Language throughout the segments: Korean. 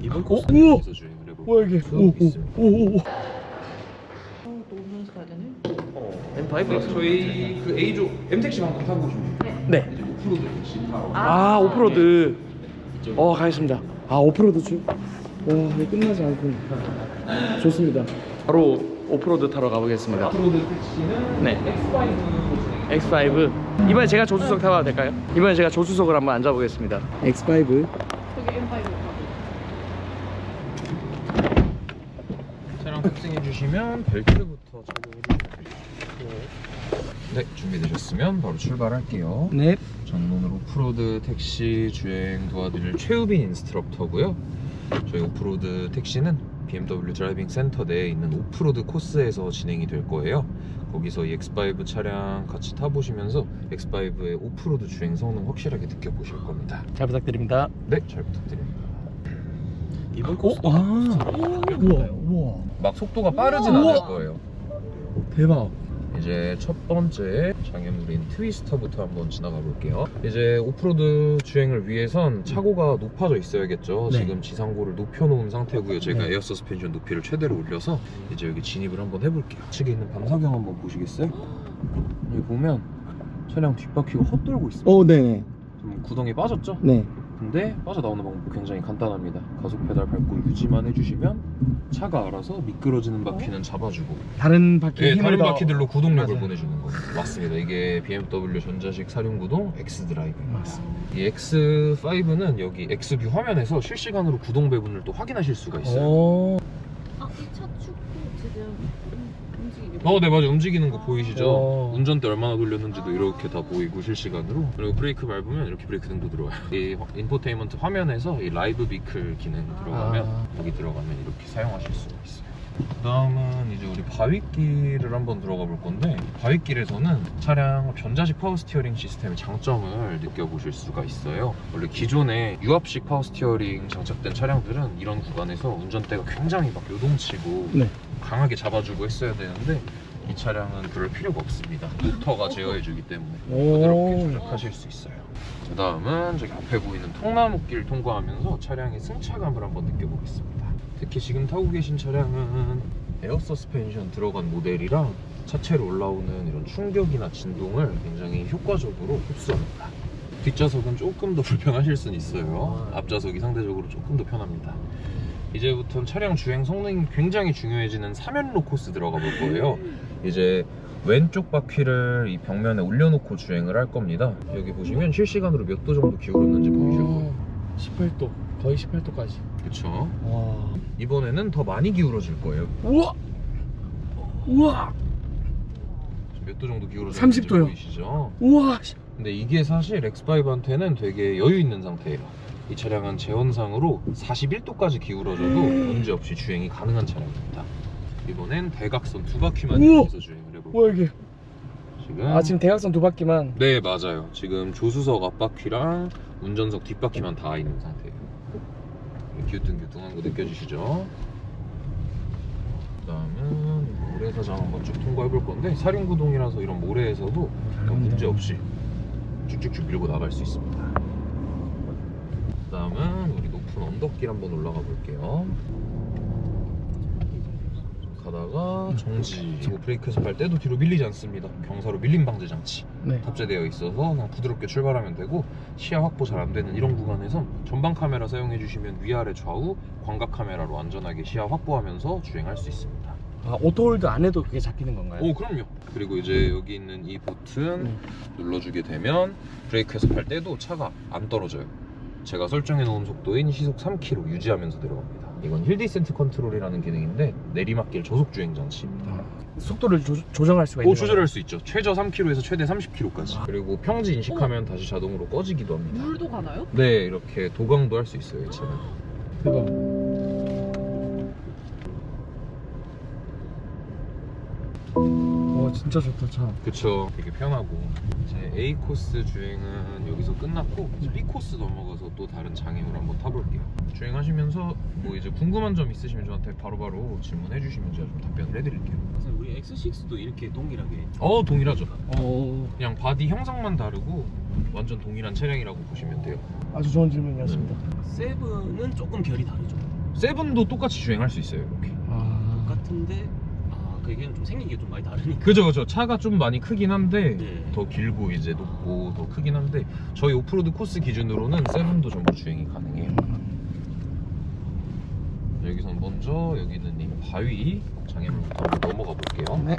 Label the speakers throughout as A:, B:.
A: 이번 코스에서 주행을 해볼
B: 뭐야 이게? 오오오오.
C: 또 오면서 가야 되네.
B: M5?
A: 저희 그 A조 M택시 방금 타고 오시면 돼요.
B: 네.
A: 이제 오프로드 택시 타러
B: 아 오프로드.
A: 이쪽으로.
B: 가겠습니다. 아 오프로드 중. 와 이게 끝나지 않군. 좋습니다. 바로 오프로드 타러 가보겠습니다.
A: 오프로드 택시는
B: 네.
A: X5로 진행.
B: X5. 이번에 제가 조수석 타봐도 될까요? 이번에 제가 조수석을 한번 앉아보겠습니다. X5.
C: 저기 M5.
A: 차량 탑승해 주시면 벨트부터 착용해 주시면 네, 준비되셨으면 바로 출발할게요.
B: 네.
A: 전문으로 오프로드 택시 주행 도와드릴 최우빈 인스트럭터고요. 저희 오프로드 택시는 BMW 드라이빙 센터 내에 있는 오프로드 코스에서 진행이 될 거예요. 거기서 이 X5 차량 같이 타보시면서 X5의 오프로드 주행 성능 확실하게 느껴보실 겁니다.
B: 잘 부탁드립니다.
A: 네, 잘 부탁드립니다. 이번
B: 우와.
A: 막 속도가 빠르진 않을 거예요.
B: 대박.
A: 이제 첫 번째 장애물인 트위스터부터 한번 지나가 볼게요. 이제 오프로드 주행을 위해선 차고가 높아져 있어야겠죠.
B: 네.
A: 지금 지상고를 높여놓은 상태고요. 제가
B: 네.
A: 에어 서스펜션 높이를 최대로 올려서 이제 여기 진입을 한번 해볼게요. 측에 있는 방사경 한번 보시겠어요? 여기 보면 차량 뒷바퀴가 헛돌고 있습니다.
B: 네네.
A: 좀 구덩이 빠졌죠?
B: 네.
A: 근데 빠져나오는 방법 굉장히 간단합니다. 가속 페달 밟고 유지만 해주시면 차가 알아서 미끄러지는 바퀴는 잡아주고
B: 다른 바퀴 힘을
A: 다른
B: 더-
A: 바퀴들로 구동력을
B: 맞아요.
A: 보내주는 거예요. 맞습니다. 이게 BMW 전자식 사륜구동 X 드라이브인 맞습니다. 이 X5는 여기 X뷰 화면에서 실시간으로 구동 배분을 또 확인하실 수가 있어요.
C: 이 차 축구 지금 움직이게.
A: 네, 맞아요. 움직이는 거 보이시죠?
B: 오.
A: 운전대 얼마나 돌렸는지도 이렇게 다 보이고 실시간으로. 그리고 브레이크 밟으면 이렇게 브레이크 등도 들어와요. 이 인포테인먼트 화면에서 이 라이브 비클 기능 들어가면 여기 들어가면 이렇게 사용하실 수가 있어요. 그 다음은 이제 우리 바윗길을 한번 들어가 볼 건데, 바윗길에서는 차량 전자식 파워 스티어링 시스템의 장점을 느껴보실 수가 있어요. 원래 기존에 유압식 파워 스티어링 장착된 차량들은 이런 구간에서 운전대가 굉장히 막 요동치고
B: 네.
A: 강하게 잡아주고 했어야 되는데 이 차량은 그럴 필요가 없습니다. 모터가 제어해주기 때문에 부드럽게 조작하실 수 있어요. 그 다음은 저기 앞에 보이는 통나무길 통과하면서 차량의 승차감을 한번 느껴보겠습니다. 특히 지금 타고 계신 차량은 에어 서스펜션 들어간 모델이랑 차체로 올라오는 이런 충격이나 진동을 굉장히 효과적으로 흡수합니다. 뒷좌석은 조금 더 불편하실 수는 있어요. 앞좌석이 상대적으로 조금 더 편합니다. 이제부터는 차량 주행 성능이 굉장히 중요해지는 3연로 코스 들어가 볼 거예요. 이제 왼쪽 바퀴를 이 벽면에 올려놓고 주행을 할 겁니다. 여기 보시면 실시간으로 몇 도 정도 기울었는지 보이실 거예요.
B: 18도. 거의 18도까지.
A: 그쵸?
B: 와.
A: 이번에는 더 많이 기울어질 거예요.
B: 우와. 우와.
A: 몇 도 정도 기울어졌는지
B: 30 도요.
A: 보이시죠?
B: 우와.
A: 근데 이게 사실 X5한테는 되게 여유 있는 상태예요. 이 차량은 제원상으로 41도까지 기울어져도 문제없이 주행이 가능한 차량입니다. 이번엔 대각선 두 바퀴만
B: 우와.
A: 이용해서 주행을 해볼게요.
B: 뭐야 이게?
A: 지금
B: 지금 대각선 두 바퀴만.
A: 네, 맞아요. 지금 조수석 앞바퀴랑 운전석 뒷바퀴만 다 있는 상태예요. 기우뚱기우뚱한 거 느껴지시죠? 그 다음은 모래사장 한번 쭉 통과해 볼 건데, 사륜구동이라서 이런 모래에서도 문제없이 쭉쭉쭉 밀고 나갈 수 있습니다. 그 다음은 우리 높은 언덕길 한번 올라가 볼게요. 가다가 정지. 그리고 브레이크에서 발 때도 뒤로 밀리지 않습니다. 경사로 밀림 방지 장치
B: 네.
A: 탑재되어 있어서 그냥 부드럽게 출발하면 되고, 시야 확보 잘 안 되는 이런 구간에선 전방 카메라 사용해 주시면 위아래 좌우 광각 카메라로 안전하게 시야 확보하면서 주행할 수 있습니다.
B: 오토홀드 안 해도 그게 잡히는 건가요?
A: 오, 그럼요. 그리고 이제 여기 있는 이 버튼 눌러주게 되면 브레이크에서 발 때도 차가 안 떨어져요. 제가 설정해 놓은 속도인 시속 3km 유지하면서 내려갑니다. 이건 힐 디센트 컨트롤이라는 기능인데 내리막길 저속 주행 장치입니다.
B: 속도를 조정할 수가 있는
A: 조절할 수 있죠. 최저 3km에서 최대 30km까지. 그리고 평지 인식하면 다시 자동으로 꺼지기도 합니다.
C: 물도 가나요?
A: 네, 이렇게 도강도 할 수 있어요, 이 차는.
B: 대박. 와 진짜 좋다 차.
A: 그쵸. 되게 편하고. 이제 A 코스 주행은 여기서 끝났고 이제 B 코스 넘어가서 또 다른 장애물 한번 타볼게요. 주행하시면서 뭐 이제 궁금한 점 있으시면 저한테 바로바로 질문해 주시면 제가 좀 답변을 해드릴게요.
D: 우리 X6도 이렇게 동일하게
A: 동일하죠.
B: 오.
A: 그냥 바디 형상만 다르고 완전 동일한 차량이라고 보시면 돼요.
B: 아주 좋은 질문이었습니다.
D: 세븐은 조금 결이 다르죠.
A: 세븐도 똑같이 주행할 수 있어요 이렇게.
D: 같은데 그게 좀 생긴 게 좀 많이 다르니까.
A: 그죠. 차가 좀 많이 크긴 한데
D: 네.
A: 더 길고 이제 높고 더 크긴 한데 저희 오프로드 코스 기준으로는 세븐도 전부 주행이 가능해요. 여기선 먼저 여기 있는 이 바위 장애물부터 한번 넘어가 볼게요.
B: 네.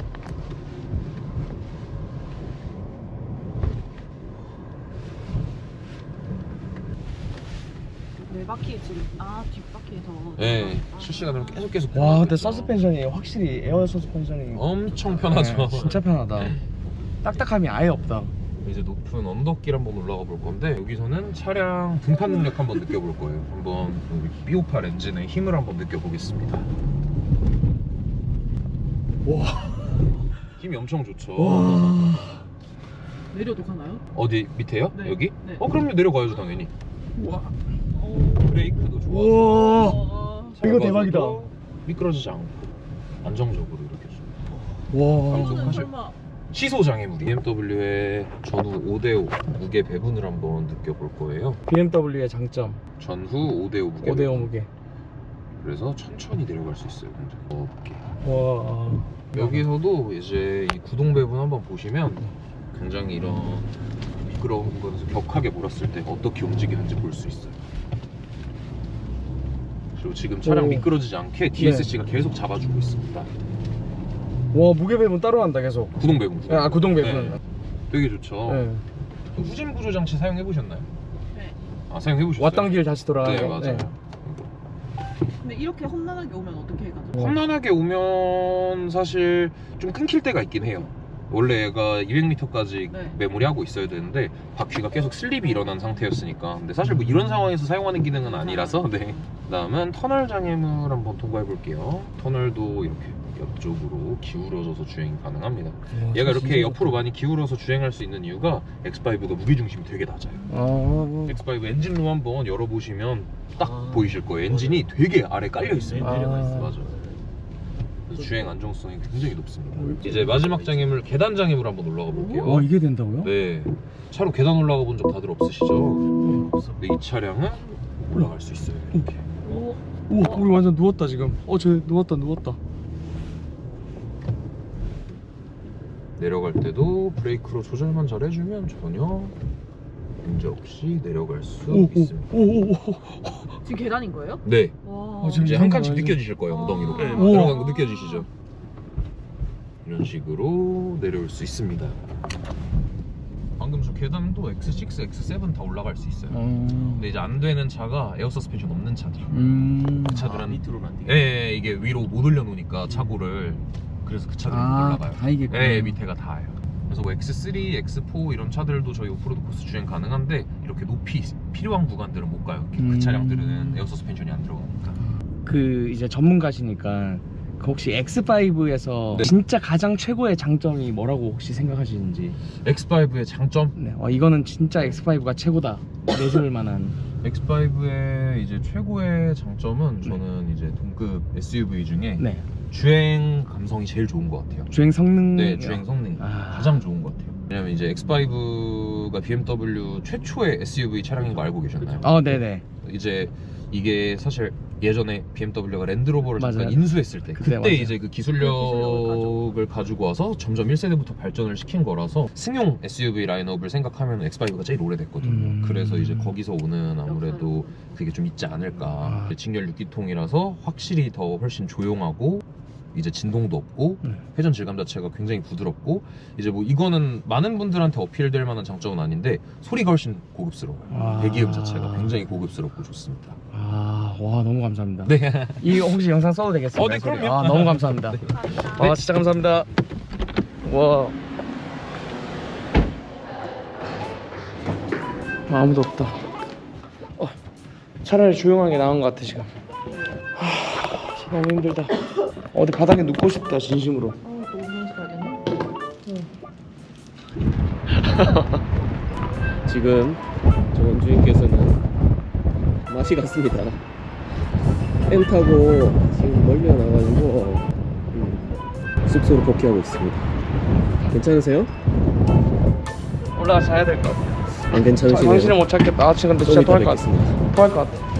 C: 네 바퀴에 지금 뒷바퀴에서.
A: 네, 실시간으로 계속
B: 와, 근데
A: 돌아가겠죠.
B: 서스펜션이 확실히 에어 서스펜션이
A: 엄청 편하죠.
B: 네, 진짜 편하다. 딱딱함이 아예 없다.
A: 이제 높은 언덕길 한번 올라가 볼 건데 여기서는 차량 등판 능력 한번 느껴볼 거예요. 한번 여기 B58 엔진의 힘을 한번 느껴보겠습니다.
B: 와.
A: 힘이 엄청 좋죠.
C: 내려도 가나요?
A: 어디 밑에요?
C: 네.
A: 여기?
C: 네.
A: 그럼요, 내려가야죠 당연히.
B: 와.
A: 브레이크도 좋아서
B: 와. 이거 대박이다.
A: 미끄러지지 않고 안정적으로 이렇게 좀.
B: 와.
A: 방송 하실-
C: 설마
A: 시소 장애물이 BMW의 전후 5대5 무게 배분을 한번 느껴볼 거예요.
B: BMW의 장점.
A: 전후 5대5 무게
B: 5대5
A: 배분.
B: 무게.
A: 그래서 천천히 내려갈 수 있어요. 굉장히 높게.
B: 와.
A: 여기서도 이제 이 구동 배분 한번 보시면 굉장히 이런 미끄러운 공간에서 격하게 몰았을 때 어떻게 움직이는지 볼 수 있어요. 그리고 지금 차량
B: 오.
A: 미끄러지지 않게 DSC가 계속 잡아주고 있습니다.
B: 와, 무게 배분 따로 한다 계속.
A: 구동 배분.
B: 아, 구동 배분.
A: 네. 되게 좋죠.
B: 네.
A: 후진 구조 장치 사용해 보셨나요?
C: 네.
A: 아, 사용해 보셨어요?
B: 왔던 길 다시 돌아가는.
A: 네, 맞아요.
C: 근데 이렇게 험난하게 오면 어떻게 가죠?
A: 험난하게 오면 사실 좀 끊길 때가 있긴 해요. 원래 얘가 200m까지
C: 네.
A: 메모리하고 있어야 되는데 바퀴가 계속 슬립이 일어난 상태였으니까. 근데 사실 뭐 이런 상황에서 사용하는 기능은 아니라서. 네. 그다음은 터널 장애물 한번 통과해 볼게요. 터널도 이렇게 옆쪽으로 기울어져서 주행이 가능합니다. 얘가 이렇게 옆으로 많이 기울어서 주행할 수 있는 이유가 X5가 무게중심이 되게 낮아요. X5 엔진룸 한번 열어보시면 딱 보이실 거예요. 엔진이 되게 아래 깔려 있어요.
B: 내려가 있어요.
A: 맞아요. 그래서 주행 안정성이 굉장히 높습니다. 이제 마지막 장애물 계단 장애물 한번 올라가 볼게요.
B: 와, 이게 된다고요?
A: 네, 차로 계단 올라가 본 적 다들 없으시죠? 근데 이 차량은 올라갈 수 있어요. 이렇게.
C: 오.
B: 오, 우리 완전 누웠다 지금. 쟤 누웠다.
A: 내려갈 때도 브레이크로 조절만 잘 해주면 전혀 문제 없이 내려갈 수 있습니다.
C: 지금 계단인 거예요?
A: 네,
C: 와.
B: 지금
A: 이제 한 칸씩
B: 맞아요.
A: 느껴지실 거예요. 엉덩이로.
C: 네.
A: 들어간 거 느껴지시죠? 이런 식으로 내려올 수 있습니다. 방금 저 계단도 X6, X7 다 올라갈 수 있어요. 근데 이제 안 되는 차가 에어 서스펜션 없는 차들. 그 차들은
D: 밑으로는 안 돼요.
A: 예, 이게 위로 못 올려놓으니까 차고를. 그래서 그 차들이 못 올라가요.
B: 다 이게.
A: 네, 밑에가 닿아요. 그래서 뭐 X3, X4 이런 차들도 저희 오프로드 코스 주행 가능한데 이렇게 높이 필요한 구간들은 못 가요. 그 차량들은 에어 서스펜션이 안 들어가니까.
B: 그 이제 전문가시니까 그 혹시 X5에서
A: 네.
B: 진짜 가장 최고의 장점이 뭐라고 혹시 생각하시는지.
A: X5의 장점?
B: 네. 이거는 진짜 X5가 최고다 내세울 만한.
A: X5의 이제 최고의 장점은 저는 이제 동급 SUV 중에
B: 네.
A: 주행 감성이 제일 좋은 것 같아요.
B: 주행 성능.
A: 네, 주행 성능이
B: 아.
A: 가장 좋은 것 같아요. 왜냐면 이제 X5가 BMW 최초의 SUV 차량인 거 알고 계셨나요?
B: 네네.
A: 이제 이게 사실 예전에 BMW가 랜드로버를 잠깐
B: 맞아요.
A: 인수했을 때 그때
B: 맞아요.
A: 이제 그 기술력을 가지고 와서 점점 1세대부터 발전을 시킨 거라서 승용 SUV 라인업을 생각하면 X5가 제일 오래됐거든요. 그래서 이제 거기서 오는 아무래도 그게 좀 있지 않을까. 직렬 6기통이라서 확실히 더 훨씬 조용하고 이제 진동도 없고 회전 질감 자체가 굉장히 부드럽고 이제 뭐 이거는 많은 분들한테 어필될 만한 장점은 아닌데 소리가 훨씬 고급스러워요. 배기음 자체가 굉장히 고급스럽고 좋습니다.
B: 와, 너무 감사합니다.
A: 네.
B: 이 혹시 영상 써도 되겠습니까?
A: 네, 그럼요.
B: 너무 감사합니다. 진짜 감사합니다. 와. 아무도 없다. 차라리 조용하게 나온 것 같아 지금. 너무 힘들다. 어디 바닥에 눕고 싶다 진심으로.
C: 또 오면서 가야 되나?
D: 지금 저 원주인께서는 맛이 갔습니다. 엠 타고 지금 멀미가 나가지고 숙소로 복귀하고 있습니다. 괜찮으세요?
B: 올라가 자야 될 것 같아.
D: 안 괜찮으시네요.
B: 정신을 못 찾겠다. 지금 근데
D: 좀
B: 진짜
D: 이따
B: 토할 것 같아.
D: 뵙겠습니다.
B: 토할 것 같아.